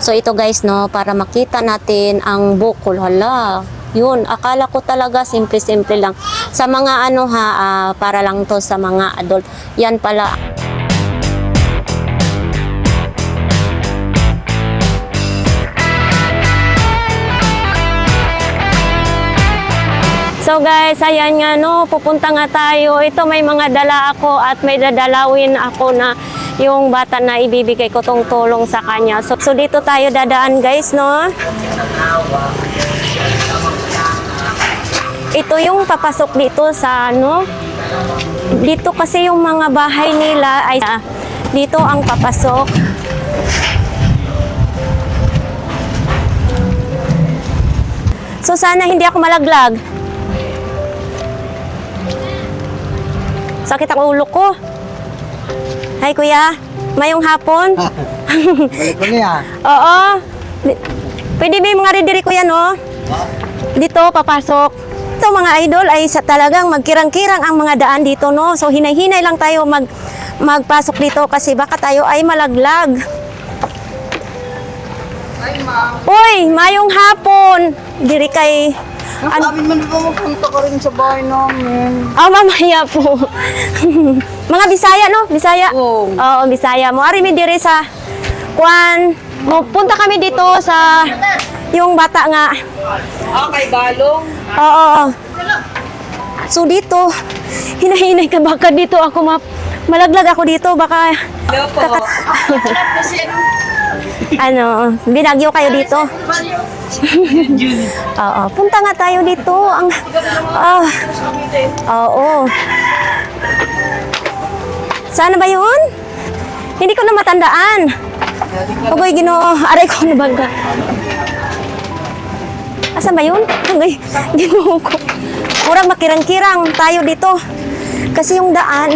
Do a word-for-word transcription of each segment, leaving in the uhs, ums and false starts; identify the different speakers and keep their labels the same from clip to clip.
Speaker 1: So ito guys, no, para makita natin ang bukol. Hala, yun, akala ko talaga simple-simple lang. Sa mga ano ha, uh, para lang to sa mga adult. Yan pala. So guys, ayan nga no, pupunta nga tayo. Ito may mga dala ako at may dadalawin ako na yung bata na ibibigay ko tong tulong sa kanya. So, so dito tayo dadaan guys, no? Ito yung papasok dito sa ano. Dito kasi yung mga bahay nila ay dito ang papasok. So sana hindi ako malaglag. Sakit ang ulo ko. Hi kuya, mayong hapon.
Speaker 2: Balik ko niya.
Speaker 1: Oo. Pwede ba yung mga ridiri kuya no? Dito papasok. Ito mga idol ay sa talagang magkirang-kirang ang mga daan dito no. So hinay-hinay lang tayo mag magpasok dito kasi baka tayo ay malaglag.
Speaker 2: Ay, ma'am.
Speaker 1: Uy, mayong hapon. Diri kay
Speaker 2: Sabi man di ba magpunta ka rin sa bahay namin?
Speaker 1: Ah, mamaya po. Mga Bisaya, no? Bisaya?
Speaker 2: Oo.
Speaker 1: Oo, Bisaya mo. Ari mi diri sa Kwan. Punta kami dito sa yung bata nga.
Speaker 2: Ah, kay Balong?
Speaker 1: Oo. So dito, hinahinay ka baka dito ako ma malaglag ako dito baka
Speaker 2: Hello po. Kasi ano?
Speaker 1: ano, binagyo kayo dito. Oo, punta nga tayo dito. Ang ah. Oo. Sana ba 'yun? Hindi ko na matandaan. Agoy Ginoo, aray ko na baga. Asan ba 'yun? Agoy Ginoo ko. Murang makirang-kirang tayo dito. Kasi yung daan.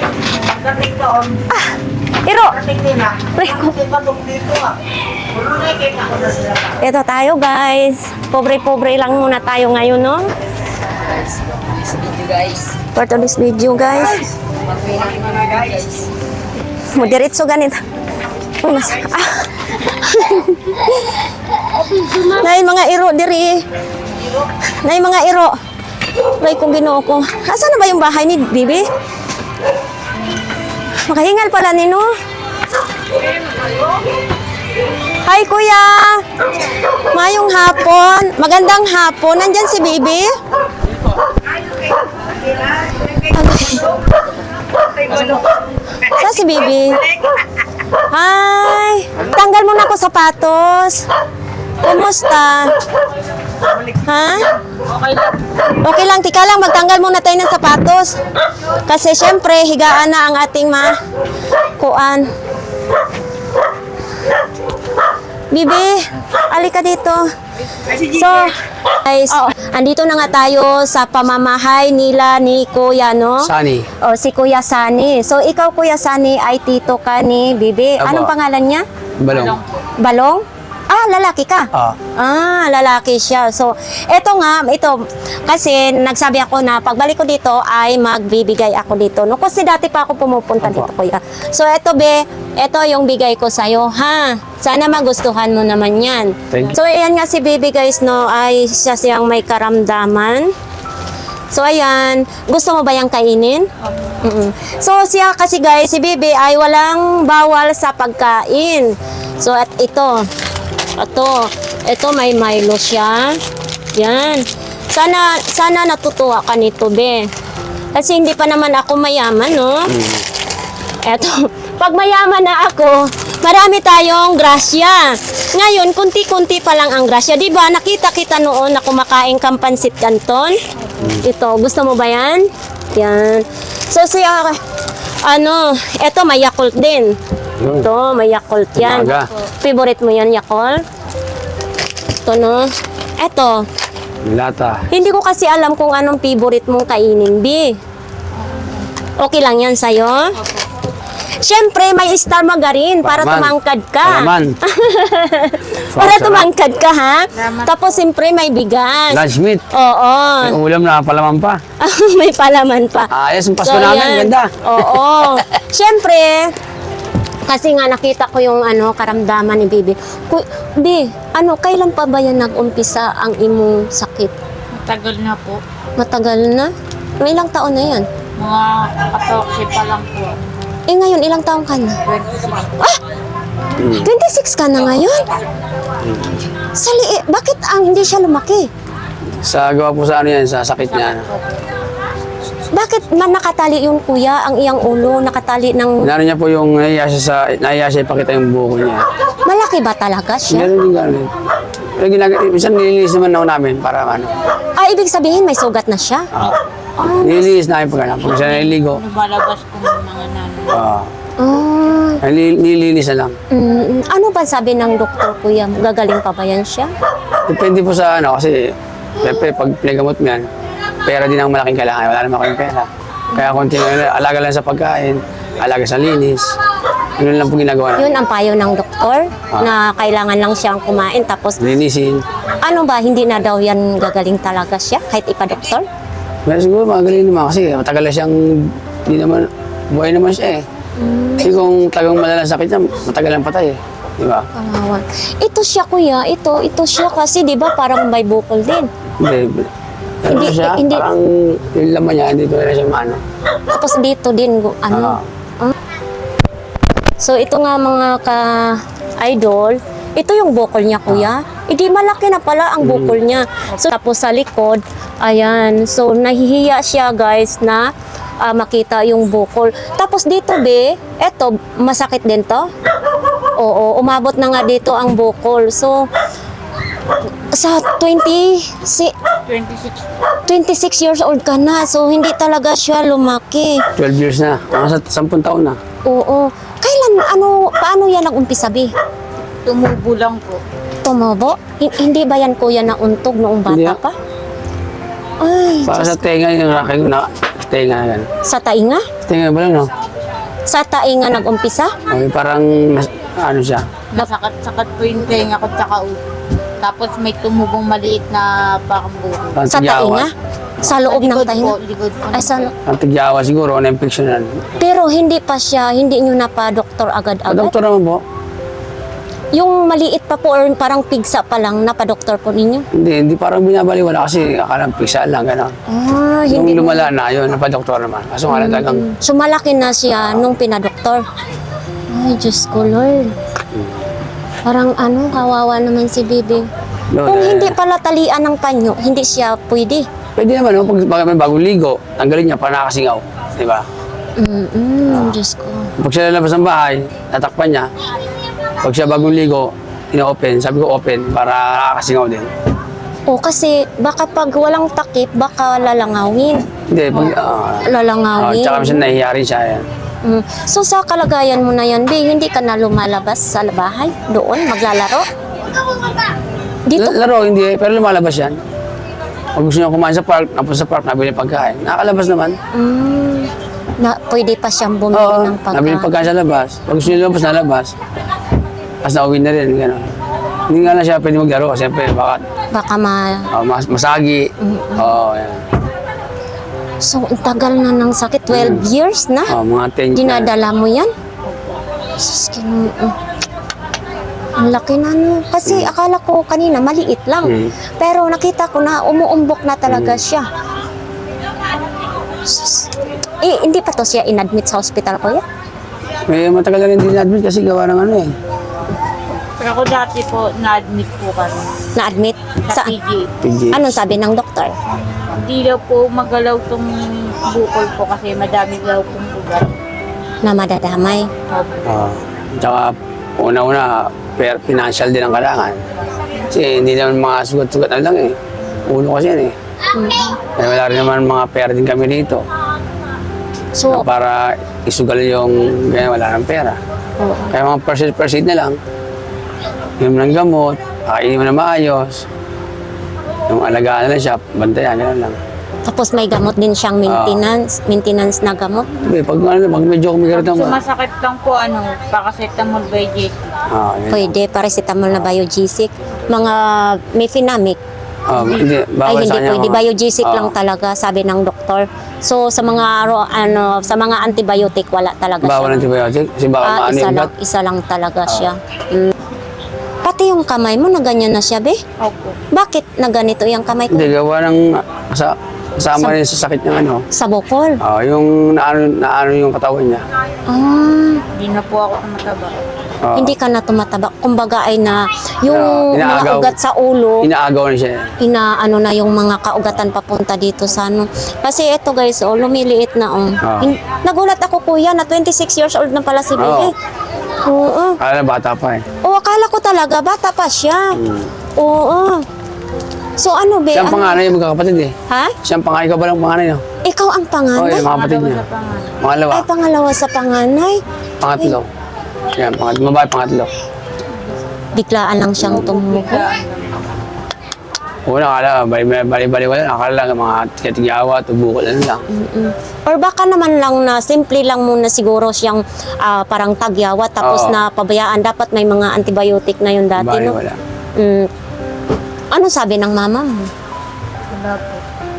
Speaker 1: Ah, iro. Pre ko. Ito tayo guys. Pobre-pobre lang muna tayo ngayon, no? For today's video guys. Modiretso ganito. Oh, mas, ah. Nay mga iro diri. Nay mga iro. Nay kung Ginoo ko. Asa na ba yung bahay ni Bibi? Makahingal pala nino. Hi kuya. Mayong hapon. Magandang hapon. Nandyan si Bibi? Sa si Bibi? Hi. Tanggal mo na ako sapatos. Kumusta? Ha? Okay lang, tika lang, magtanggal muna tayo ng sapatos. Kasi syempre, higaan na ang ating ma kuan. Bibi, alika dito. So, guys, andito na nga tayo sa pamamahay nila ni Kuya, no?
Speaker 3: Sani.
Speaker 1: O, si Kuya Sani. So, ikaw, Kuya Sani, ay tito ka ni Bibi.
Speaker 3: Aba.
Speaker 1: Anong pangalan niya?
Speaker 3: Balong.
Speaker 1: Balong? Ah, lalaki ka?
Speaker 3: Ah.
Speaker 1: Ah, lalaki siya. So, eto nga, ito, kasi nagsabi ako na pagbalik ko dito ay magbibigay ako dito. No, kasi dati pa ako pumupunta
Speaker 3: Apo.
Speaker 1: dito, kuya. So, eto be, eto yung bigay ko sa'yo, ha? Sana magustuhan mo naman yan.
Speaker 3: Thank you.
Speaker 1: So, ayan nga si baby guys, no, ay siya siyang may karamdaman. So, ayan. Gusto mo ba yung kainin? Mm-mm. So, siya kasi guys, si baby ay walang bawal sa pagkain. So, at ito, ito, ito may Milo siya. Yan. Sana, sana natutuwa ka nito, be. Kasi hindi pa naman ako mayaman, no? Eto, pag mayaman na ako, marami tayong grasya. Ngayon, kunti-kunti pa lang ang grasya. Di ba, nakita kita noon na kumakain kang pansit canton? Ito, gusto mo ba yan? Yan. So, siya, ano, eto may Yakult din. Ito, may Yakult yan.
Speaker 3: Umaga.
Speaker 1: Favorite mo yan, Yakult? Ito, no? Eto,
Speaker 3: Lata.
Speaker 1: hindi ko kasi alam kung anong favorite mong kainin, B. Okay lang yan sa'yo? Siyempre, may star margarine para
Speaker 3: Palaman.
Speaker 1: tumangkad ka.
Speaker 3: Palaman.
Speaker 1: Para
Speaker 3: Sarap.
Speaker 1: tumangkad ka, ha? Tapos, siyempre, may bigas.
Speaker 3: Lunch meat.
Speaker 1: Oo.
Speaker 3: May ulam na palaman pa.
Speaker 1: May palaman pa.
Speaker 3: Ayos ang Pasko
Speaker 1: So,
Speaker 3: namin.
Speaker 1: yan.
Speaker 3: Ganda.
Speaker 1: Oo. Siyempre, Kasi nga nakita ko yung ano karamdaman ni Bibi. Ku, Bi, ano kailan pa ba yan nag-umpisa ang imong sakit?
Speaker 2: Tagal na po.
Speaker 1: Matagal na? May ilang taon na yan?
Speaker 2: Mga katorse pa lang po.
Speaker 1: Eh ngayon, ilang taon ka na?
Speaker 2: twenty-six.
Speaker 1: Ah! twenty-six ka na ngayon? Sa liit, bakit ang hindi siya lumaki?
Speaker 3: Sa gawa po sa ano yan, sa sakit niya.
Speaker 1: Bakit man nakatali yung kuya, ang iyang ulo, nakatali ng...
Speaker 3: Inano niya po yung nahiya siya sa, nahiya siya ipakita yung buko niya.
Speaker 1: Malaki ba talaga siya?
Speaker 3: Ganun din ganun. Pero ginag- minsan nililis naman ako namin para ano.
Speaker 1: Ah, ibig sabihin may sugat na siya?
Speaker 3: Ah, nililis namin pag ano. Pag siya naliligo,
Speaker 2: Lumalabas ko ng mga nanay.
Speaker 3: ah,
Speaker 1: Ah,
Speaker 3: nili- nililis na lang.
Speaker 1: mm, ano ba sabi ng doktor kuya? Gagaling pa ba yan siya?
Speaker 3: Depende po sa ano, kasi siyempre pag pinagamot mo yan, pera din ang malaking kailangan. Wala naman kaming pera. Kaya konti na alaga lang sa pagkain, alaga sa linis. Yun lang po ginagawa
Speaker 1: Yun
Speaker 3: namin.
Speaker 1: ang payo ng doktor na kailangan lang siyang kumain tapos
Speaker 3: Linisin.
Speaker 1: ano ba, hindi na daw yan gagaling talaga siya kahit ipa-doktor?
Speaker 3: Pero siguro magaling naman kasi matagal na siyang, hindi naman, buhay naman siya eh. Kasi kung talagang malalang sakit niya, matagal lang patay eh. Di ba?
Speaker 1: Kawawa. Ito siya kuya, ito, ito siya kasi di ba parang may bukol din.
Speaker 3: Hindi. Ano
Speaker 1: Hindi,
Speaker 3: siya,
Speaker 1: hindi.
Speaker 3: parang yung laman niya, dito na siya maano.
Speaker 1: Tapos dito din, gu- ano.
Speaker 3: Ah.
Speaker 1: So ito nga mga ka-idol, ito yung bukol niya kuya. Hindi malaki na pala ang bukol niya. So tapos sa likod, ayan. So nahihiya siya guys na ah, makita yung bukol. Tapos dito be, eto, masakit din to. Oo, umabot na nga dito ang bukol. So sa twenty, si,
Speaker 2: twenty-six.
Speaker 1: twenty-six years old ka na. So hindi talaga siya lumaki.
Speaker 3: twelve years na. Mga sa sampung taon na.
Speaker 1: Oo. Kailan, ano, paano yan nag-umpisa, Bi?
Speaker 2: Tumubo lang po.
Speaker 1: Tumobo? Hin- hindi ba yan kuya na untog noong
Speaker 3: Hindi,
Speaker 1: bata
Speaker 3: ah.
Speaker 1: pa? Ay,
Speaker 3: Para sa tenga yung aking na tenga yan.
Speaker 1: sa tainga?
Speaker 3: Tenga ba lang, no?
Speaker 1: Sa tainga nag-umpisa?
Speaker 3: Okay, parang mas- ano siya.
Speaker 2: Nasakat-sakat po yung tenga ko tsaka ulo. Tapos may tumubong maliit na parang buko.
Speaker 3: Ang
Speaker 1: Sa
Speaker 3: tigyawa.
Speaker 1: tainga? Sa loob ng
Speaker 2: Likod
Speaker 1: tainga?
Speaker 2: po, likod po.
Speaker 1: Ay, sa lo-
Speaker 3: Ang tigyawa siguro, ano infection yan.
Speaker 1: Pero hindi pa siya, hindi nyo na pa doktor
Speaker 3: Ah,
Speaker 1: agad-agad?
Speaker 3: doktor naman po.
Speaker 1: Yung maliit pa po or parang pigsa pa lang, napadoktor po ninyo?
Speaker 3: Hindi, hindi parang binabaliwala kasi akala pisa lang, gano'n.
Speaker 1: Ah,
Speaker 3: Nung
Speaker 1: hindi.
Speaker 3: lumala na, yun, napadoktor naman. Kaso nga lang talagang,
Speaker 1: So malaki na siya nung pinadoktor. Ay, Diyos ko, Lord. Parang ano, kawawa naman si Bibi.
Speaker 3: Lord,
Speaker 1: Kung
Speaker 3: eh,
Speaker 1: hindi pala talian ng panyo, hindi siya pwede.
Speaker 3: pwede naman, no? Pag, pag may bagong ligo, tanggalin niya para nakasingaw. Di ba?
Speaker 1: Mm-mm, Diyos ko.
Speaker 3: Pag siya lalabas ng bahay, tatakpan niya. Pag siya bagong ligo, ina-open, sabi ko open para nakakasingaw din.
Speaker 1: O kasi baka pag walang takip, baka lalangawin.
Speaker 3: Hindi, pag, ah, ah,
Speaker 1: Lalangawin.
Speaker 3: tsaka minsan nahihiya rin siya. Yan.
Speaker 1: Mm. So sa kalagayan mo na yan, Bi, hindi ka na lumalabas sa bahay? Doon, maglalaro? Dito?
Speaker 3: L- Laro, hindi eh, pero lumalabas yan. Pag gusto niya kumain sa park, napunta sa park, nabili pagkain. Nakakalabas naman.
Speaker 1: Mm. Na, pwede pa siyang bumili
Speaker 3: Oo,
Speaker 1: ng
Speaker 3: nabili
Speaker 1: pagkain.
Speaker 3: pagkain sa labas. Pag gusto niya lumabas, nalabas. Tapos nauwi na rin, gano'n. Hindi nga na siya pwede maglaro kasi siyempre baka
Speaker 1: Baka ma...
Speaker 3: ah, mas, masagi. Oo, yan.
Speaker 1: So, ang tagal na ng sakit. twelve years na?
Speaker 3: Oh, mga ten years.
Speaker 1: Dinadala mo yan? Sus, kin- mm. Ang laki na no. Kasi akala ko kanina maliit lang.
Speaker 3: Mm.
Speaker 1: Pero nakita ko na umuumbok na talaga siya. Sus. Eh, hindi pa to siya inadmit sa hospital ko yan?
Speaker 3: May matagal na rin din admit kasi gawa ng ano eh.
Speaker 2: Pero ako dati po, na-admit po kami.
Speaker 1: Na-admit?
Speaker 2: Sa
Speaker 1: Sa,
Speaker 2: P G.
Speaker 3: P G.
Speaker 1: anong sabi ng doktor?
Speaker 2: Hindi daw po magalaw tong bukol po kasi madami daw pong ugat.
Speaker 1: Na madadamay.
Speaker 2: Opo.
Speaker 3: Oo. Tsaka una-una, per, financial din ang kailangan. Kasi hindi naman mga sugat-sugat na lang eh. Ulo kasi yan eh. Kaya wala rin naman mga pera din kami dito.
Speaker 1: So,
Speaker 3: Para isugal yung ganyan, wala ng pera.
Speaker 1: oo.
Speaker 3: Kaya mga percent-percent na lang. Yung ng gamot, kakainin mo na maayos. Yung alagaan na lang siya, bantayan, gano'n lang.
Speaker 1: Tapos may gamot din siyang maintenance, maintenance na gamot.
Speaker 3: Hindi, pag, ano, pag medyo kumikirat
Speaker 2: Pag
Speaker 3: naman.
Speaker 2: sumasakit lang po, ano, paracetamol by J C.
Speaker 3: Ah, yun.
Speaker 1: Pwede, paracetamol na biogesic. Mga mefenamic.
Speaker 3: Ah, hindi,
Speaker 1: Ay,
Speaker 3: bawal
Speaker 1: hindi
Speaker 3: sa kanya
Speaker 1: pwede.
Speaker 3: mga-
Speaker 1: Biogesic
Speaker 3: Ah.
Speaker 1: lang talaga, sabi ng doktor. So sa mga aro- ano sa mga antibiotic wala talaga
Speaker 3: Bawal
Speaker 1: siya.
Speaker 3: antibiotic. Kasi bawal
Speaker 1: Ah,
Speaker 3: maano
Speaker 1: isa
Speaker 3: yung
Speaker 1: lang,
Speaker 3: ugat.
Speaker 1: isa lang talaga siya. Mm. Pati yung kamay mo na ganyan na siya, be?
Speaker 2: Opo.
Speaker 1: Bakit na ganito yung kamay ko?
Speaker 3: Hindi, gawa ng sa, kasama rin sa sakit ng ano.
Speaker 1: Sa bukol.
Speaker 3: Ah, yung naano, naano yung katawan niya.
Speaker 1: Ah,
Speaker 2: Hindi na po ako tumataba.
Speaker 3: Ah,
Speaker 1: hindi ka na tumataba. Kumbaga ay na yung
Speaker 3: Ah,
Speaker 1: mga
Speaker 3: inaagaw.
Speaker 1: ugat sa ulo,
Speaker 3: Inaagaw na siya.
Speaker 1: ina ano na yung mga kaugatan papunta dito sa ano. Kasi ito guys, oh, lumiliit na oh.
Speaker 3: Ah.
Speaker 1: Hin- Nagulat ako kuya na twenty-six years old na pala si Bebe. Oo.
Speaker 3: Kala bata pa eh.
Speaker 1: O akala ko talaga bata pa siya.
Speaker 3: Hmm.
Speaker 1: Oo. So ano be?
Speaker 3: Siyang
Speaker 1: Ano?
Speaker 3: panganay yung magkakapatid eh.
Speaker 1: Ha?
Speaker 3: Siyang panganay, ikaw ba lang panganay no?
Speaker 1: Ikaw ang
Speaker 3: Oo,
Speaker 1: panganay?
Speaker 3: yung mga kapatid
Speaker 2: Pangalawa
Speaker 3: niya.
Speaker 2: sa pangalan.
Speaker 3: Pangalawa,
Speaker 1: Ay, pangalawa sa panganay.
Speaker 3: pangatlo. Yan, pangatlo. Babae, pangatlo.
Speaker 1: Biglaan lang siyang tumuko.
Speaker 2: Biglaan lang.
Speaker 3: Una, akala, bali-bali wala. Akala lang mga tiga-tigawa, tubukol, ano lang.
Speaker 1: Mm-mm. Or baka naman lang na simple lang muna siguro siyang ah, parang tagyawa tapos
Speaker 3: Oo.
Speaker 1: na pabayaan. Dapat may mga antibiotic na yun dati,
Speaker 3: Bali,
Speaker 1: no?
Speaker 3: wala.
Speaker 1: Mm. Ano sabi ng mama mo?
Speaker 2: Wala po.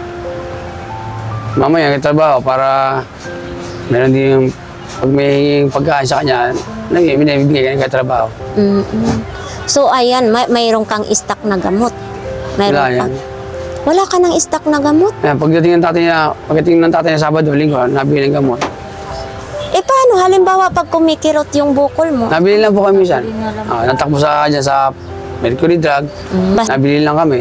Speaker 3: Mamaya, trabaho para meron din yung pag may hinging pagkain sa kanya, nag- binibigay ka ng trabaho.
Speaker 1: Mm-mm. So, ayan, may, mayroon kang stock na gamot. Mayroon
Speaker 3: Wala
Speaker 1: ka.
Speaker 3: yan.
Speaker 1: Wala ka ng stock na gamot?
Speaker 3: Ayan, pagdating ng tatay niya, pagdating ng tatay niya Sabado, Linggo, nabili ng gamot.
Speaker 1: Eh, paano? Halimbawa, pag kumikirot yung bukol mo,
Speaker 3: Nabili lang po kami minsan.
Speaker 2: Nabili na lang.
Speaker 3: Ah, natakbo sa kanya sa Mercury Drug,
Speaker 1: bas-
Speaker 3: nabili lang kami.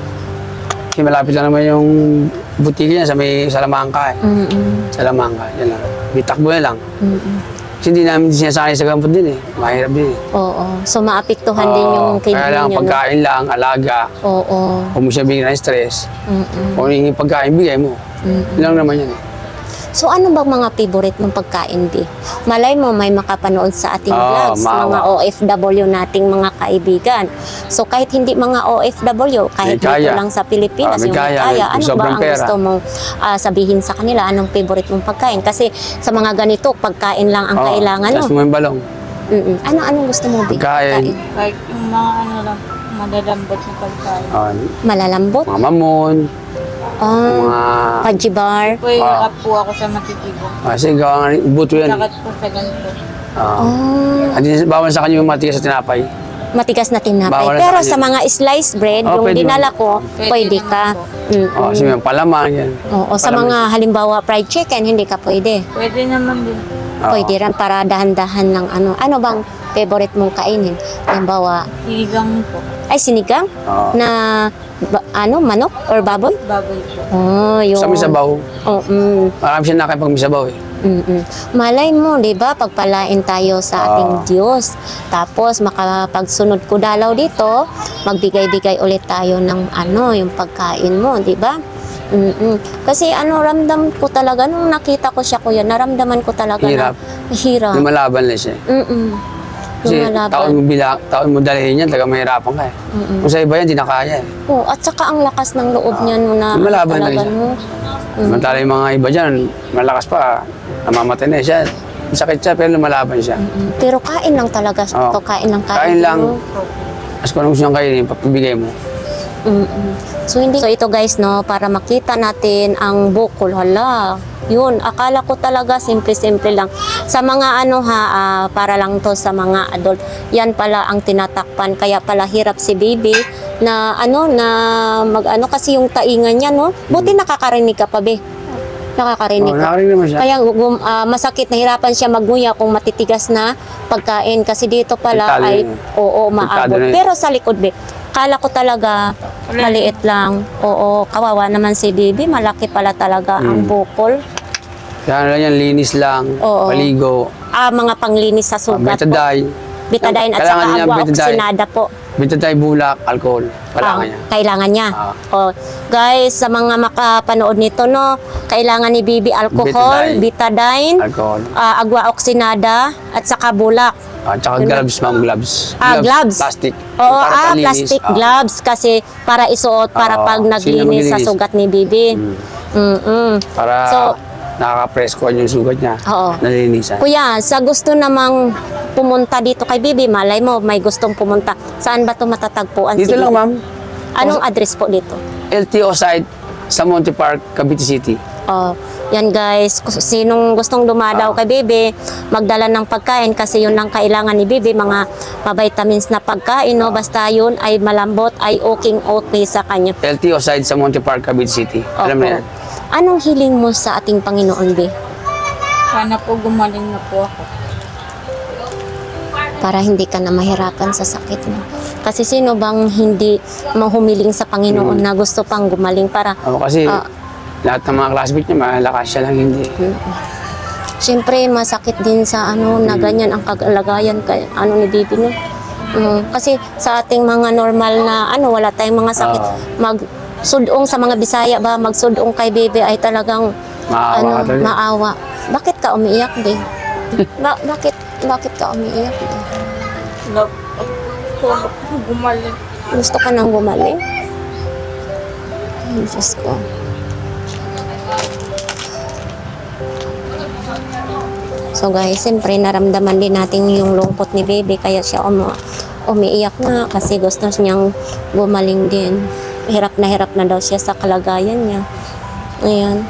Speaker 3: Kasi malapit lang naman yung butiki niya sa may Salamangka eh.
Speaker 1: Mm-mm.
Speaker 3: Salamangka, yan lang. Bitakbo na lang.
Speaker 1: Mm-mm.
Speaker 3: Kasi hindi namin sinasanay sa gamot din eh. Mahirap din eh.
Speaker 1: Oo. So, maapektuhan din
Speaker 3: Oo,
Speaker 1: yung
Speaker 3: kaya
Speaker 1: kidney
Speaker 3: lang
Speaker 1: niya. no?
Speaker 3: pagkain lang, alaga,
Speaker 1: Oo.
Speaker 3: kung mo siya bigyan ng stress,
Speaker 1: Mm-mm.
Speaker 3: kung yung pagkain, bigay mo.
Speaker 1: Mm-mm.
Speaker 3: Yun lang naman yan.
Speaker 1: So ano bang mga favorite mong pagkain, Bi? Malay mo may makapanood sa ating
Speaker 3: Oo,
Speaker 1: vlogs,
Speaker 3: maawa.
Speaker 1: mga O F W nating mga kaibigan. So kahit hindi mga O F W, kahit
Speaker 3: May kaya.
Speaker 1: dito lang sa Pilipinas,
Speaker 3: Ah, may
Speaker 1: yung may
Speaker 3: kaya,
Speaker 1: kaya,
Speaker 3: may
Speaker 1: ano ba
Speaker 3: sobrang
Speaker 1: ang
Speaker 3: pera.
Speaker 1: gusto mong ah, sabihin sa kanila? Anong favorite mong pagkain? Kasi sa mga ganito, pagkain lang ang
Speaker 3: Oo,
Speaker 1: kailangan, no?
Speaker 3: tas mo yung balong.
Speaker 1: Mm-mm. Ano anong gusto mo, Bi?
Speaker 3: Pagkain.
Speaker 2: Kahit yung mga ano lang, madalambot na pagkain.
Speaker 3: Ah,
Speaker 1: Malalambot?
Speaker 3: mga mamon,
Speaker 1: Ah,
Speaker 3: mga...
Speaker 1: pajibar?
Speaker 2: Po yung
Speaker 3: Ah.
Speaker 2: up po ako sa matitigo.
Speaker 3: Kasi gawa nga, buto yan. eh.
Speaker 2: Sakat po sa ganito.
Speaker 3: Ah.
Speaker 1: Ah,
Speaker 3: Hindi, bawal sa kanya yung matigas sa tinapay.
Speaker 1: matigas na tinapay.
Speaker 3: Bawal na
Speaker 1: Pero
Speaker 3: sa
Speaker 1: sa
Speaker 3: kanya.
Speaker 1: mga sliced bread,
Speaker 3: Oh,
Speaker 1: yung
Speaker 3: pwede
Speaker 1: dinala
Speaker 3: naman.
Speaker 1: ko,
Speaker 2: Pwede
Speaker 1: pwede
Speaker 2: naman
Speaker 1: ka.
Speaker 2: po.
Speaker 1: Mm-mm.
Speaker 3: Oh, kasi yung palaman, yan.
Speaker 1: Oo, sa
Speaker 3: Palaman.
Speaker 1: mga halimbawa fried chicken, hindi ka pwede.
Speaker 2: Pwede naman din.
Speaker 3: Oo.
Speaker 1: Pwede rin para dahan-dahan ng ano. Ano bang favorite mong kainin? Halimbawa,
Speaker 2: Sinigang po.
Speaker 1: ay sinigang
Speaker 3: Oo.
Speaker 1: na ba- ano, manok or baboy?
Speaker 2: Baboy po.
Speaker 1: Oh, yun.
Speaker 3: Sa misabaw,
Speaker 1: Oh, mm,
Speaker 3: marami siya nakay pag misabaw eh.
Speaker 1: mm, mm. Malay mo, di ba, pagpalain tayo sa ating
Speaker 3: Ah.
Speaker 1: Diyos. Tapos, makapagsunod ko dalaw dito, magbigay-bigay ulit tayo ng ano, yung pagkain mo, di ba? Mm-mm. Kasi ano, ramdam ko talaga, nung nakita ko siya kuya, naramdaman ko talaga
Speaker 3: Hirap.
Speaker 1: na hirap.
Speaker 3: Lumalaban lang siya.
Speaker 1: Mm-mm.
Speaker 3: Kasi
Speaker 1: Lumalaban.
Speaker 3: taon mo bila, taon mo dalhin yan, taga mahirapan ka eh.
Speaker 1: Mm-mm.
Speaker 3: Kung sa iba yan, di na kaya eh.
Speaker 1: Oh, at saka ang lakas ng loob niya no na
Speaker 3: lumalaban
Speaker 1: talaga
Speaker 3: lang siya.
Speaker 1: no. Mm.
Speaker 3: Samantala yung mga iba dyan, malakas pa, namamatay na eh. siya. Sakit siya, pero lumalaban siya.
Speaker 1: Mm. Pero kain lang talaga siya.
Speaker 3: Oo.
Speaker 1: To, kain lang kain.
Speaker 3: Kain lang.
Speaker 1: no?
Speaker 3: Tapos kung ano gusto niyang kainin, papabigay mo.
Speaker 1: Mm-mm. So hindi so ito guys no para makita natin ang bukol hala. Yun, akala ko talaga simple-simple lang. Sa mga ano ha, ah, para lang to sa mga adult. Yan pala ang tinatakpan. Kaya pala hirap si baby na ano na mag ano kasi yung taingan niya no. Buti nakakarinig ka pa be. Nakakarinig
Speaker 3: Oh,
Speaker 1: ka.
Speaker 3: nakarinig naman siya.
Speaker 1: Kaya gum, ah, masakit, nahirapan siya magnguya kung matitigas na pagkain kasi dito pala
Speaker 3: Delikado
Speaker 1: ay
Speaker 3: yun.
Speaker 1: oo
Speaker 3: Delikado
Speaker 1: maabot.
Speaker 3: na yun.
Speaker 1: Pero sa likod be, kala ko talaga maliit lang. Oo, kawawa naman si baby, malaki pala talaga ang
Speaker 3: Mm.
Speaker 1: bukol.
Speaker 3: Kaya lang yan, linis lang,
Speaker 1: Oo.
Speaker 3: paligo,
Speaker 1: Ah, mga panglinis sa
Speaker 3: uh,
Speaker 1: sugat po.
Speaker 3: betadine,
Speaker 1: Betadine at
Speaker 3: Kailangan
Speaker 1: saka
Speaker 3: niya
Speaker 1: agua
Speaker 3: betadine.
Speaker 1: oxinada po.
Speaker 3: betadine bulak, alcohol. Kailangan
Speaker 1: Ah,
Speaker 3: niya.
Speaker 1: Kailangan niya.
Speaker 3: Ah.
Speaker 1: Oh, guys, sa mga makapanood nito no, kailangan ni baby alcohol,
Speaker 3: Betadine.
Speaker 1: betadine,
Speaker 3: Alcohol.
Speaker 1: ah, agua oxinada at saka bulak.
Speaker 3: At saka gloves, ma'am, gloves.
Speaker 1: Ah, gloves.
Speaker 3: Plastic.
Speaker 1: Oo,
Speaker 3: Para
Speaker 1: ah,
Speaker 3: palinis.
Speaker 1: plastic
Speaker 3: Ah.
Speaker 1: gloves kasi para isuot para
Speaker 3: Oo,
Speaker 1: pag
Speaker 3: sino
Speaker 1: naglinis sa
Speaker 3: maglilinis?
Speaker 1: sugat ni baby.
Speaker 3: Mm.
Speaker 1: Mm-mm.
Speaker 3: Para
Speaker 1: So-
Speaker 3: nakaka-presko yung sugat niya.
Speaker 1: Oo.
Speaker 3: Nalilinisan.
Speaker 1: Kuya, sa gusto namang pumunta dito kay baby, malay mo may gustong pumunta. Saan ba ito matatagpuan?
Speaker 3: Dito
Speaker 1: si
Speaker 3: lang,
Speaker 1: baby?
Speaker 3: ma'am.
Speaker 1: Anong address po dito?
Speaker 3: L T O site sa Monte Park, Cavite City.
Speaker 1: Oh, yan guys, kung sinong gustong dumadaw
Speaker 3: Ah.
Speaker 1: kay Bebe, magdala ng pagkain kasi yun lang kailangan ni Bebe, mga ma-vitamins na pagkain, no? Basta yun ay malambot, ay okay okay sa kanya.
Speaker 3: L T O side sa Monte Park, Cavite City. Alam mo
Speaker 1: Opo.
Speaker 3: yan?
Speaker 1: Anong hiling mo sa ating Panginoon, Be?
Speaker 2: Sana po gumaling na po ako.
Speaker 1: Para hindi ka na mahirapan sa sakit mo. Kasi sino bang hindi mahumiling sa Panginoon na gusto pang gumaling para
Speaker 3: Ako kasi,
Speaker 1: Ah.
Speaker 3: lahat ng mga classmates niya, malakas siya lang, hindi.
Speaker 1: siyempre masakit din sa ano na ganyan ang kagalagayan kay ano ni Bibi no. Mm, kasi sa ating mga normal na ano wala tayong mga sakit
Speaker 3: Ah.
Speaker 1: mag sudong sa mga Bisaya ba magsudong kay Bibi ay talagang
Speaker 3: Maawa
Speaker 1: ano
Speaker 3: ka talaga.
Speaker 1: maawa. Bakit ka umiiyak, Be? ba- bakit bakit ka umiiyak, Be?
Speaker 2: Love, gusto ko gumaling.
Speaker 1: Gusto ka nang gumaling? Ay, Diyos ko. So guys, siyempre naramdaman din natin yung lungkot ni Baby kaya siya umi umiiyak na kasi gusto niyang gumaling din. Hirap na hirap na daw siya sa kalagayan niya. Ayan.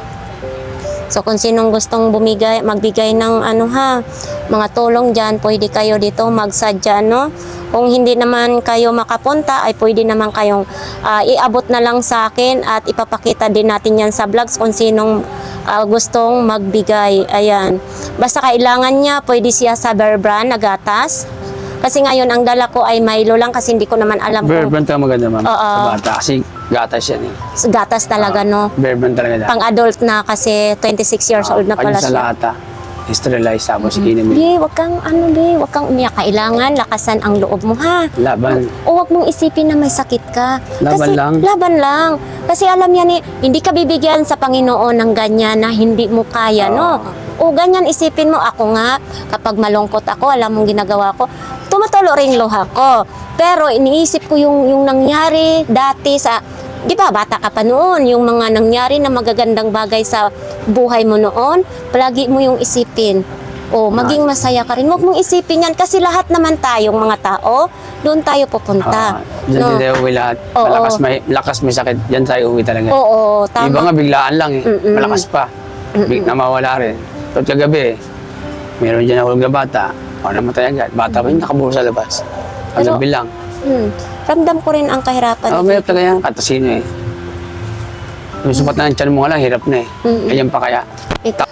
Speaker 1: So kung sinong gustong bumigay, magbigay ng ano ha, mga tulong dyan, pwede kayo dito magsadya, no? Kung hindi naman kayo makapunta, ay pwede naman kayong ah, iabot na lang sa akin at ipapakita din natin yan sa vlogs kung sinong ah, gustong magbigay. Ayan. Basta kailangan niya, pwede siya sa Bear Brand na gatas. Kasi ngayon, ang dala ko ay Milo lang kasi hindi ko naman alam
Speaker 3: Bear
Speaker 1: kung
Speaker 3: brand talaga maganda, ma'am.
Speaker 1: Oo.
Speaker 3: Sa bata. Kasi gatas yan eh.
Speaker 1: gatas talaga, no?
Speaker 3: Bear brand talaga dahil.
Speaker 1: Pang-adult na kasi twenty-six years old na pala
Speaker 3: sa
Speaker 1: siya.
Speaker 3: lata. Sterilized tapos inumin.
Speaker 1: Be, wag kang ano, be, wag kang umiyak. Kailangan lakasan ang loob mo, ha?
Speaker 3: Laban.
Speaker 1: O wag mong isipin na may sakit ka.
Speaker 3: Laban
Speaker 1: Kasi,
Speaker 3: lang.
Speaker 1: Laban lang. Kasi alam yan eh, hindi ka bibigyan sa Panginoon ng ganyan na hindi mo kaya, no? O ganyan isipin mo, ako nga, kapag malungkot ako, alam mong ginagawa ko, tumutulo rin luha ko. Pero iniisip ko yung, yung nangyari dati sa, di ba, bata ka pa noon, yung mga nangyari na magagandang bagay sa buhay mo noon, palagi mo yung isipin. O, maging masaya ka rin. Huwag mong isipin yan kasi lahat naman tayong mga tao, doon tayo pupunta.
Speaker 3: Ah, Diyan
Speaker 1: no?
Speaker 3: din tayo uwi lahat.
Speaker 1: Oo.
Speaker 3: Malakas may, lakas may sakit. Diyan tayo uwi talaga.
Speaker 1: Oo, tama.
Speaker 3: Iba nga biglaan lang eh.
Speaker 1: Mm-mm.
Speaker 3: Malakas pa. Big na mawala rin. Pero kagabi, meron dyan ako na bata. O namatay agad. Bata pa yun, nakaburo sa labas.
Speaker 1: Pero-
Speaker 3: Kagabi lang.
Speaker 1: Hmm. Ramdam ko rin ang kahirapan.
Speaker 3: Oo, may talaga yan. Katasino eh. Yung supat na ng tiyan mo nga lang, hirap na eh.
Speaker 1: Mm-mm.
Speaker 3: Ayan pa kaya.
Speaker 1: Ito.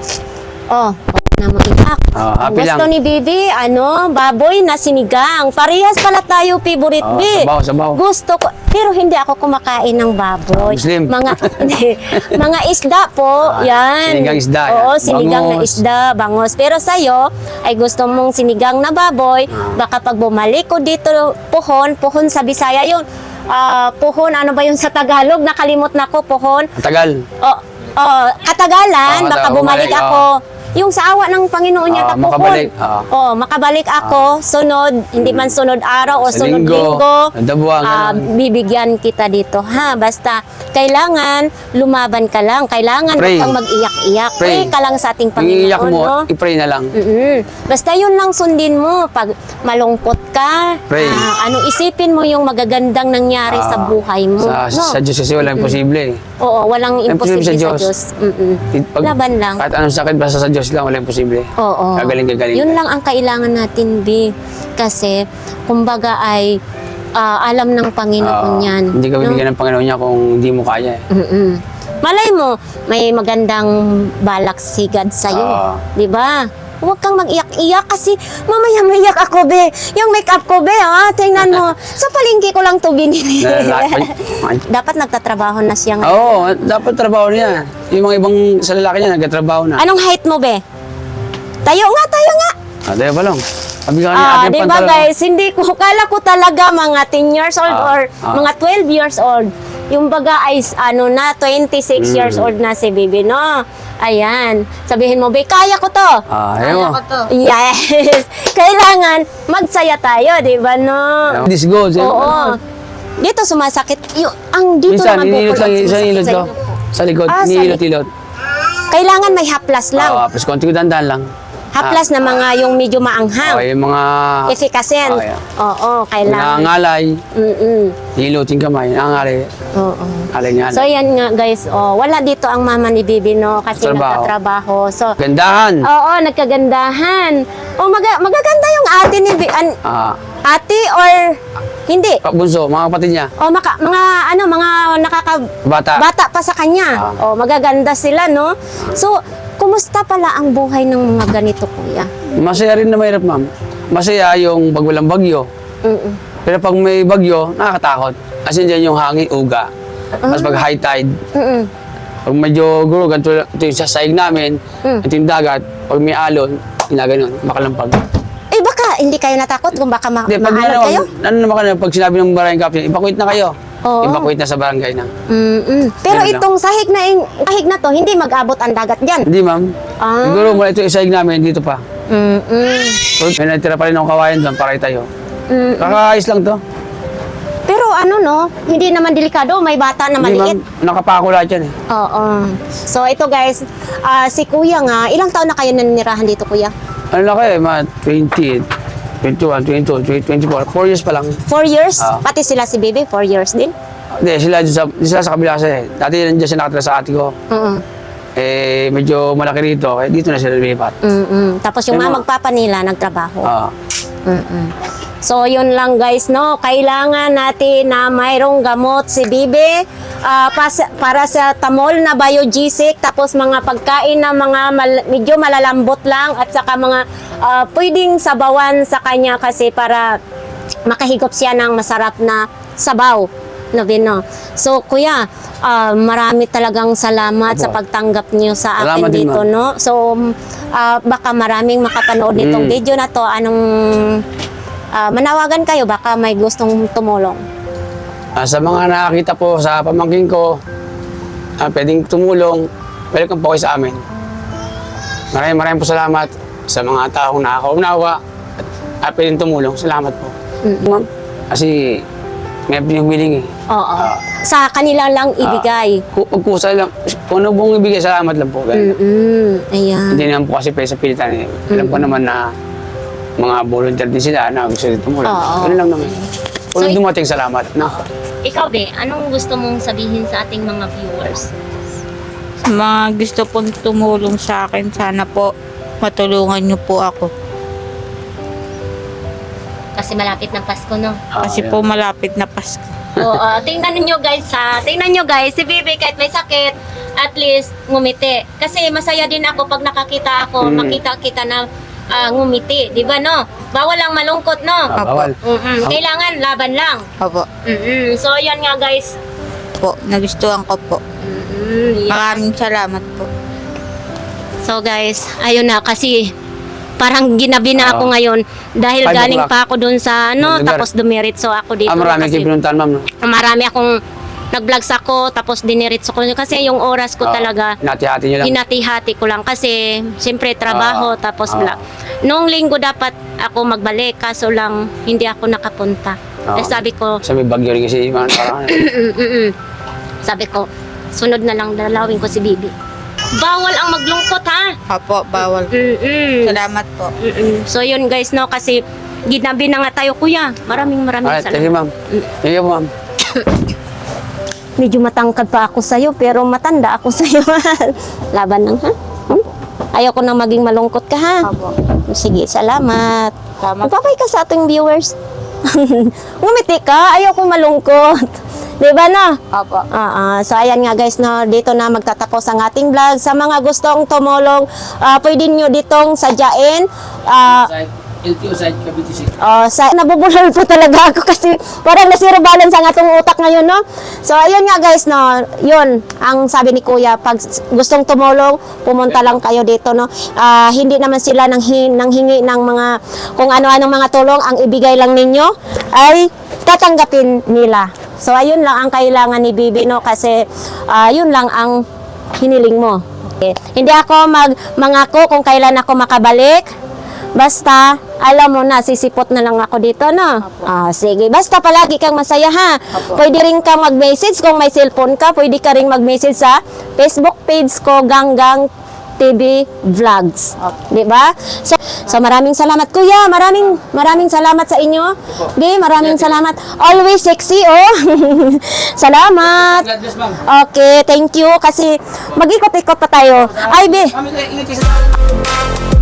Speaker 1: Oh, huwag na mo iyak.
Speaker 3: Oh,
Speaker 1: Ang
Speaker 3: happy
Speaker 1: gusto
Speaker 3: lang.
Speaker 1: ni Bibi, ano, baboy na sinigang. Parehas pala tayo favorite,
Speaker 3: Oh,
Speaker 1: Bi.
Speaker 3: sabaw, sabaw.
Speaker 1: Gusto ko, pero hindi ako kumakain ng baboy.
Speaker 3: Ah, Muslim.
Speaker 1: Mga, hindi, mga isda po,
Speaker 3: Ah,
Speaker 1: yan.
Speaker 3: sinigang isda,
Speaker 1: Oo,
Speaker 3: yan.
Speaker 1: sinigang na
Speaker 3: Bangos.
Speaker 1: isda, bangos. Pero sa'yo, ay gusto mong sinigang na baboy,
Speaker 3: Ah.
Speaker 1: baka pag bumalik ko dito, puhon, puhon sa Bisaya yun. Ah, puhon, ano ba yun sa Tagalog? Nakalimot na ko, puhon.
Speaker 3: Ang tagal.
Speaker 1: Oh, oh, katagalan,
Speaker 3: Oo,
Speaker 1: baka
Speaker 3: kata-
Speaker 1: bumalik
Speaker 3: bumalik,
Speaker 1: ako. Yung sa awa ng Panginoon niya,
Speaker 3: Oo,
Speaker 1: tapuhon.
Speaker 3: makabalik, oo.
Speaker 1: Oh, makabalik ako, sunod, hindi man sunod araw o
Speaker 3: Sa
Speaker 1: sunod
Speaker 3: linggo,
Speaker 1: linggo,
Speaker 3: sa buwan,
Speaker 1: ah,
Speaker 3: ganun.
Speaker 1: bibigyan kita dito, ha? Basta, kailangan lumaban ka lang. Kailangan
Speaker 3: Pray.
Speaker 1: huwag kang mag-iyak-iyak. Pray.
Speaker 3: Pray.
Speaker 1: ka lang sa ating
Speaker 3: Yung iiyak
Speaker 1: Panginoon,
Speaker 3: mo,
Speaker 1: no?
Speaker 3: i-pray na lang.
Speaker 1: Mm-mm. Basta yun lang sundin mo. Pag malungkot ka,
Speaker 3: Pray.
Speaker 1: ah, ano, isipin mo yung magagandang nangyari sa
Speaker 3: Ah,
Speaker 1: buhay mo.
Speaker 3: Sa,
Speaker 1: no?
Speaker 3: sa Diyos kasi walang imposible eh.
Speaker 1: Oo, walang
Speaker 3: Imposible
Speaker 1: imposible sa
Speaker 3: sa Diyos.
Speaker 1: Diyos. Mm-mm.
Speaker 3: Pag,
Speaker 1: Laban lang.
Speaker 3: Kahit anong sakit, basta sa Diyos lang, walang imposible.
Speaker 1: Oo.
Speaker 3: Gagaling, gagaling.
Speaker 1: Yun lang ang kailangan natin, B. Kasi, kumbaga ay ah, alam ng Panginoon
Speaker 3: Oo.
Speaker 1: yan.
Speaker 3: Hindi ka bibigyan ng Panginoon niya kung hindi mo kaya eh.
Speaker 1: Mm-mm. Malay mo, may magandang balak si God sa'yo.
Speaker 3: Oo.
Speaker 1: Di ba? Huwag kang mag-iyak-iyak kasi mamaya maiyak ako, be. Yung make-up ko, be, ha? Tingnan mo. Sa palengke ko lang to binili. Dapat nagtatrabaho na siya ngayon.
Speaker 3: Oo, dapat trabaho niya. Yung mga ibang sa lalaki niya, nagtatrabaho na.
Speaker 1: Anong height mo, be? Tayo nga, tayo nga.
Speaker 3: Ah, tayo pa lang. Sabi ka niya,
Speaker 1: Ah,
Speaker 3: ating
Speaker 1: di ba
Speaker 3: pantalon.
Speaker 1: guys, hindi ko, kala ko talaga mga ten years old
Speaker 3: Ah,
Speaker 1: or
Speaker 3: ah.
Speaker 1: mga twelve years old. Yung baga ay ano na, twenty-six
Speaker 3: Mm.
Speaker 1: years old na si Bibi, no? Ayan. Sabihin mo, be, kaya ko to.
Speaker 3: Ah,
Speaker 2: Kaya
Speaker 3: ayaw.
Speaker 2: ko to.
Speaker 1: Yes. Kailangan magsaya tayo, di ba, no?
Speaker 3: This goes. eh.
Speaker 1: Oo. Dito sumasakit. Yung, ang dito
Speaker 3: Minsan,
Speaker 1: naman
Speaker 3: inilot
Speaker 1: bukol
Speaker 3: lang
Speaker 1: ang
Speaker 3: yung isang
Speaker 1: sumasakit
Speaker 3: ilot ko.
Speaker 1: sa'yo.
Speaker 3: Sa likod,
Speaker 1: Ah, sa
Speaker 3: inilot-ilot.
Speaker 1: Kailangan may haplas lang.
Speaker 3: Oo, tapos konti ko dandan lang.
Speaker 1: Haplas na mga yung medyo maanghang.
Speaker 3: Okay, yung mga
Speaker 1: Efficacy.
Speaker 3: Okay.
Speaker 1: Oo, kailangan.
Speaker 3: nangangalay,
Speaker 1: Mm-mm.
Speaker 3: hilutin kamay, nangangalay,
Speaker 1: Oo.
Speaker 3: alay niya.
Speaker 1: So yan nga guys, oh, wala dito ang mama ni Bibi no kasi
Speaker 3: Trabaho.
Speaker 1: nagtatrabaho. So
Speaker 3: Gandahan.
Speaker 1: oo, nagkagandahan. Oh, maga- magaganda yung ate ni Bi- an-
Speaker 3: Ah,
Speaker 1: ate or hindi.
Speaker 3: bunso, mga kapatid niya,
Speaker 1: Oh, maka, mga ano, mga nakaka
Speaker 3: bata.
Speaker 1: bata pa sa kanya.
Speaker 3: Ah.
Speaker 1: Oh, magaganda sila no. So, kumusta pala ang buhay ng mga ganito, kuya?
Speaker 3: Masaya rin na mahirap, ma'am. Masaya yung pag walang bagyo.
Speaker 1: Mm-mm.
Speaker 3: Pero pag may bagyo, nakakatakot. Kasi dyan yung hangin, uga. Mas pag high tide,
Speaker 1: Mm-mm.
Speaker 3: pag medyo guro, ganito, ito yung sasaig namin,
Speaker 1: Mm.
Speaker 3: ito yung dagat, pag may alon, ginaganon, makalampag.
Speaker 1: Eh baka hindi kayo natakot kung baka ma-
Speaker 3: Hindi, pag
Speaker 1: maalon
Speaker 3: ano,
Speaker 1: kayo?
Speaker 3: ano naman ka pag sinabi ng barangay captain, evacuate na kayo.
Speaker 1: Oo.
Speaker 3: Evacuate na sa barangay na.
Speaker 1: Mm-mm. Pero
Speaker 3: Ganun lang.
Speaker 1: itong sahig na sahig na to, hindi mag-abot ang dagat diyan.
Speaker 3: Hindi, ma'am.
Speaker 1: Ah.
Speaker 3: Siguro mula ito yung saig namin, dito pa.
Speaker 1: Mm-mm.
Speaker 3: So, may natira pa rin ng kawayan doon para tayo.
Speaker 1: Mm.
Speaker 3: Kakaayos lang to.
Speaker 1: Pero ano no, hindi naman delikado, may bata na
Speaker 3: Hindi,
Speaker 1: maliit.
Speaker 3: ma'am. Nakapako lahat yan eh.
Speaker 1: Oo. So ito guys, ah, si kuya nga, ilang taon na kayo nanirahan dito kuya?
Speaker 3: Ano na kayo, mga twenty, twenty-one, twenty-two, twenty-four, four years pa lang.
Speaker 1: Four years?
Speaker 3: Ah.
Speaker 1: Pati sila si baby, four years din?
Speaker 3: Hindi, sila, dyan sa, sila sa kabila kasi. Dati nandiyan sila nakatira sa ate ko.
Speaker 1: Oo.
Speaker 3: Eh, medyo malaki rito. Eh, dito na sila lumipat.
Speaker 1: Mm-mm. Tapos yung
Speaker 3: Ano?
Speaker 1: mga magpapa nila nagtrabaho.
Speaker 3: Ah.
Speaker 1: Mm-mm. So, yun lang guys, no? Kailangan natin na mayroong gamot si Bibi ah, pas- para sa tamol na biogesic, tapos mga pagkain na mga mal- medyo malalambot lang at saka mga ah, pwedeng sabawan sa kanya kasi para makahigop siya ng masarap na sabaw na vino. So, kuya, ah, marami talagang salamat
Speaker 3: Opo.
Speaker 1: sa pagtanggap niyo sa akin
Speaker 3: Salamat din,
Speaker 1: dito,
Speaker 3: ma'am.
Speaker 1: no? So, ah, baka maraming makapanood nitong
Speaker 3: Mm.
Speaker 1: video na to. Anong ah, manawagan kayo? Baka may gustong tumulong.
Speaker 3: Ah, sa mga nakakita po sa pamangkin ko, ah, pwedeng tumulong, welcome po kayo sa amin. Maraming maraming po salamat sa mga taong nakakaunawa at ah, pwedeng tumulong. Salamat po.
Speaker 1: Mm.
Speaker 3: Ma'am, kasi may pinagbiling eh.
Speaker 1: Oo. Sa kanila lang ibigay.
Speaker 3: Kung pagkusa lang, kung ano pong ibigay, salamat lang po. Ganun.
Speaker 1: Mm-mm. Ayan.
Speaker 3: Hindi naman po kasi pwede sa pilitan eh. Alam ko naman na mga volunteer din sila na gusto rin tumulong.
Speaker 1: Oo.
Speaker 3: Ganun lang naman. Kung
Speaker 1: So,
Speaker 3: dumating, salamat. No?
Speaker 1: Ikaw, Be, anong gusto mong sabihin sa ating mga viewers?
Speaker 2: Sa mga gusto pong tumulong sa akin, sana po matulungan niyo po ako.
Speaker 1: Kasi malapit ng Pasko, no?
Speaker 3: Ah,
Speaker 2: Kasi
Speaker 3: yeah.
Speaker 2: po malapit na Pasko.
Speaker 1: Oo, tingnan niyo guys ha. Tingnan niyo guys, si Bibi kahit may sakit, at least ngumiti. Kasi masaya din ako pag nakakita ako,
Speaker 3: Mm.
Speaker 1: makita kita na ah, ngumiti, 'di ba no? Bawal lang malungkot, no?
Speaker 3: Ah, bawal.
Speaker 1: Mm-mm. Kailangan laban lang.
Speaker 2: Opo.
Speaker 1: Mm-mm. So yan nga guys.
Speaker 2: Po, nagustuhan ko po.
Speaker 1: Mm-mm.
Speaker 2: Maraming salamat po.
Speaker 1: So guys, ayun na kasi parang ginabi na ako
Speaker 3: Oo.
Speaker 1: ngayon dahil
Speaker 3: Five
Speaker 1: galing
Speaker 3: o'clock.
Speaker 1: pa ako dun sa ano,
Speaker 3: Ng lugar.
Speaker 1: tapos dumiritso ako dito
Speaker 3: Ah, marami
Speaker 1: kasi
Speaker 3: kayo pinuntahan, ma'am. No?
Speaker 1: marami akong nag-vlogs ako tapos diniritso ko kasi yung oras ko
Speaker 3: Ah,
Speaker 1: talaga
Speaker 3: Hinati-hati nyo lang.
Speaker 1: hinati-hati ko lang kasi siyempre trabaho
Speaker 3: Ah,
Speaker 1: tapos
Speaker 3: ah.
Speaker 1: vlog. Noong linggo dapat ako magbalik kaso lang hindi ako nakapunta.
Speaker 3: Ah.
Speaker 1: Eh, sabi ko,
Speaker 3: Sa may bagyo rin kasi, mga parang ano.
Speaker 1: mm-mm. sabi ko, sunod na lang dalawin ko si Bibi. Bawal ang maglungkot ha.
Speaker 2: Opo, bawal.
Speaker 1: Mm-mm.
Speaker 2: Salamat po.
Speaker 1: Mm-mm. So yun guys no kasi ginabi na nga tayo kuya. Maraming maraming
Speaker 3: Alright, thank you,
Speaker 1: salamat.
Speaker 3: ma'am. Thank you, ma'am.
Speaker 1: Medyo matangkad pa ako sa'yo pero matanda ako sa'yo. Laban lang ha. Hmm? Ayoko na maging malungkot ka ha.
Speaker 2: Opo.
Speaker 1: Sige, salamat.
Speaker 2: Salamat.
Speaker 1: Magpapay ka sa ating viewers. Ngumiti ka, ayoko malungkot. Di ba na?
Speaker 2: Opo.
Speaker 1: Ah, ah. So ayan nga guys, no, dito na magtatapos ang ating vlog. Sa mga gustong tumulong, ah, pwede nyo ditong sadyain. Ah,
Speaker 3: L T O side, Cavite City.
Speaker 1: oh, sa nabubulol po talaga ako kasi parang nasiro balance ang atong utak ngayon, no? So ayun nga guys, no, yun ang sabi ni Kuya, pag gustong tumulong, pumunta lang kayo dito, no? Ah, hindi naman sila nang, hin- nang hingi ng mga kung ano-anong mga tulong, ang ibigay lang ninyo ay tatanggapin nila. So ayun lang ang kailangan ni Bibi, no, kasi ah, yun lang ang hiniling mo. Okay. Hindi ako mag mangako kung kailan ako makabalik. Basta, alam mo na, sisipot na lang ako dito, no? Ah, sige. Basta palagi kang masaya, ha? Pwede rin kang mag-message kung may cellphone ka. Pwede ka rin mag-message sa Facebook page ko, Ganggang T V Vlogs. Di ba? So, so maraming salamat. Kuya, maraming maraming salamat sa inyo. Di, maraming salamat. Always sexy, oh. Salamat.
Speaker 3: God bless, ma'am.
Speaker 1: Okay, thank you. Kasi mag-ikot-ikot pa tayo. Ay, be.
Speaker 3: Ma'am, ingat kayo sa